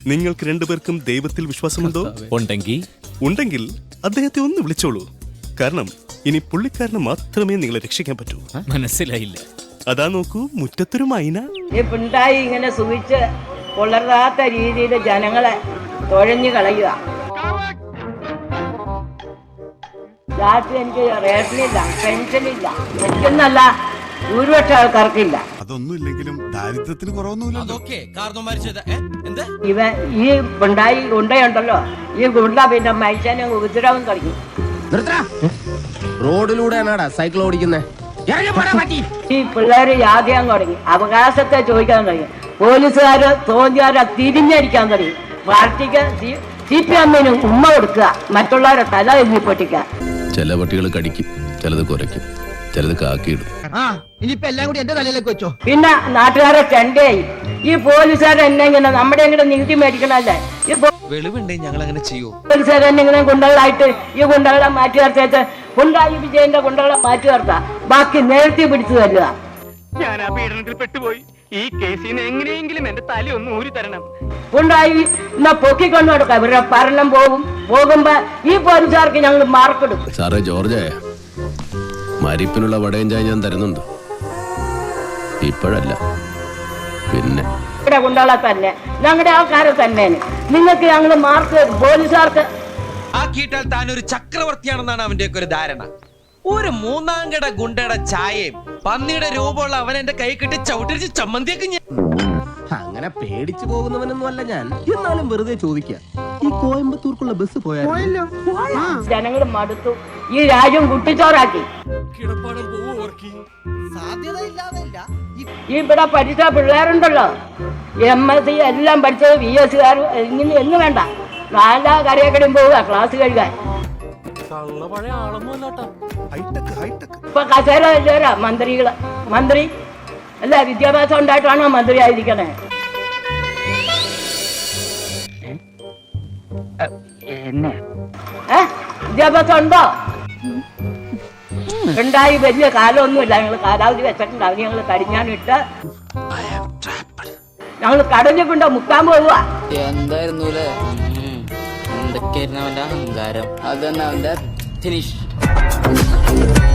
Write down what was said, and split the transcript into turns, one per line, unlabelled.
നിങ്ങൾക്ക് രണ്ടുപേർക്കും ദൈവത്തിൽ വിശ്വാസമുണ്ടോ? ഉണ്ടെങ്കിൽ അദ്ദേഹത്തെ ഒന്ന് വിളിച്ചോളൂ. കാരണം ഇനി പുള്ളിക്കാരന് മാത്രമേ നിങ്ങളെ രക്ഷിക്കാൻ പറ്റൂ.
മനസ്സിലായില്ല.
അതാ നോക്കൂ, മുറ്റത്തൊരു മൈന.
ഈ പിണ്ടായി ഇങ്ങനെ സുഖിച്ച് കൊള്ളരാത്ത രീതിയിൽ ജനങ്ങളെ തുഴഞ്ഞു കളയുക. രാത്രി എനിക്ക് റേഷനില്ല, പെൻഷനില്ല, എനിക്കെന്നല്ല ഭൂരിപക്ഷ ആൾക്കാർക്കില്ല.
അതൊന്നും ഇല്ലെങ്കിലും ദാരിദ്ര്യത്തിന് കുറവൊന്നുമില്ല.
ഇവ ഈ പിണ്ടായി ഗുണ്ടയുണ്ടല്ലോ, ഈ ഗുണ്ട പിന്നെ മനുഷ്യനെ ഉപദ്രവം തുടങ്ങി.
റോഡിലൂടെയാണാടാ സൈക്കിൾ ഓടിക്കുന്നേ.
ഈ പിള്ളേര് യാദ്യം തുടങ്ങി, അവകാശത്തെ ചോദിക്കാൻ തുടങ്ങി. പോലീസുകാര് തോന്നിയാരെ തിരിഞ്ഞടിക്കാൻ തുടങ്ങി. പാർട്ടിക്ക് CPM ഉമ്മ കൊടുക്കുക, മറ്റുള്ളവരെ തല എഴുതി പൊട്ടിക്കുക.
ചില പട്ടികൾ കടിക്കും, ചിലത് കുരയ്ക്കും, ചിലത് കാക്കിയിടും.
ഇനിയിപ്പോ എല്ലാം കൂടി എന്റെ തലയിലേക്ക് വെച്ചോ.
പിന്നെ നാട്ടുകാരെ ചെണ്ടയായി. ഈ പോലീസുകാരെ എന്നെ ഇങ്ങനെ നമ്മുടെ ഇങ്ങനെ നികുതി മേടിക്കണല്ലേ, ഈ പോലീസുകാരെ എന്നെ ഇങ്ങനെ ഗുണ്ടകളായിട്ട് ഈ ഗുണ്ടകളെ മാറ്റി നിർത്തിയിട്ട് പിണറായി വിജയന്റെ ഗുണ്ടകളെ മാറ്റി നിർത്താം, ബാക്കി നേരത്തെ പിടിച്ചു തല്ലുക.
ഞാൻ ആ പീഡനത്തിൽ പെട്ടുപോയി. ഈ കേസിന് എങ്ങനെയെങ്കിലും എന്റെ തല ഒന്ന് ഊരി തരണം.
പിണറായി എന്നാ പൊക്കിക്കൊണ്ട് കൊടുക്കാം. ഇവരുടെ ഭരണം പോകുമ്പോ ഈ പോലീസുകാർക്ക് ഞങ്ങൾ മാർക്കിടും.
സാറേ ജോർജ്, മരിപ്പിനുള്ള വടയും ചായ ഞാൻ തരുന്നുണ്ട്. ഇപ്പോഴല്ല, പിന്നെ
ഇവിടെ ഗുണ്ടകളെ തന്നെ, ഞങ്ങളുടെ ആൾക്കാരെ തന്നെ നിങ്ങൾക്ക് ഞങ്ങൾ മാർക്ക് തരും. പോലീസുകാർക്ക്
ആക്കിയിട്ടാൽ താൻ ഒരു ചക്രവർത്തിയാണെന്നാണ് അവന്റെയൊക്കെ ഒരു ധാരണ. ഒരു മൂന്നാംകട ഗുണ്ടയുടെ ചായയും പന്നിയുടെ രൂപമുള്ള അവൻ എന്റെ കൈ കിട്ടി ചവിട്ടിരിച്ച് ചമ്മന്തിയൊക്കെ ഞാൻ.
അങ്ങനെ പേടിച്ചു പോകുന്നവനൊന്നും അല്ല ഞാൻ. എന്നാലും വെറുതെ ചോദിക്കാം, ഈ കോയമ്പത്തൂർക്കുള്ള ബസ് പോയാലോ?
ജനങ്ങൾ മടുത്തു, ഈ രാജ്യം കുട്ടിച്ചോറാക്കി. ഈ ഇവിടെ പഠിച്ച പിള്ളേരുണ്ടല്ലോ, MSc എല്ലാം പഠിച്ചത് VS ഇങ്ങനെ എന്ന് വേണ്ട, നാലാ കരയക്കടയും പോവുക ക്ലാസ് കഴിക്കാൻ. ഇപ്പൊ കസേര ഇല്ലേരാ മന്ത്രി അല്ല, വിദ്യാഭ്യാസം ഉണ്ടായിട്ടാണോ മന്ത്രി ആയിരിക്കണേ? വിദ്യാഭ്യാസം ഉണ്ടോ? ഉണ്ടായി വലിയ കാലമൊന്നുമില്ല. ഞങ്ങൾ കാലാവധി വെച്ചിട്ടുണ്ടാവും. ഞങ്ങൾ കടിഞ്ഞാനിട്ട് ഞങ്ങൾ കടഞ്ഞു കൊണ്ട് മുക്കാൻ പോവുക.
എന്തായിരുന്നു എന്തൊക്കെയായിരുന്നു അവന്റെ അഹങ്കാരം. അതന്നെ അവന്റെ ഫിനിഷ്.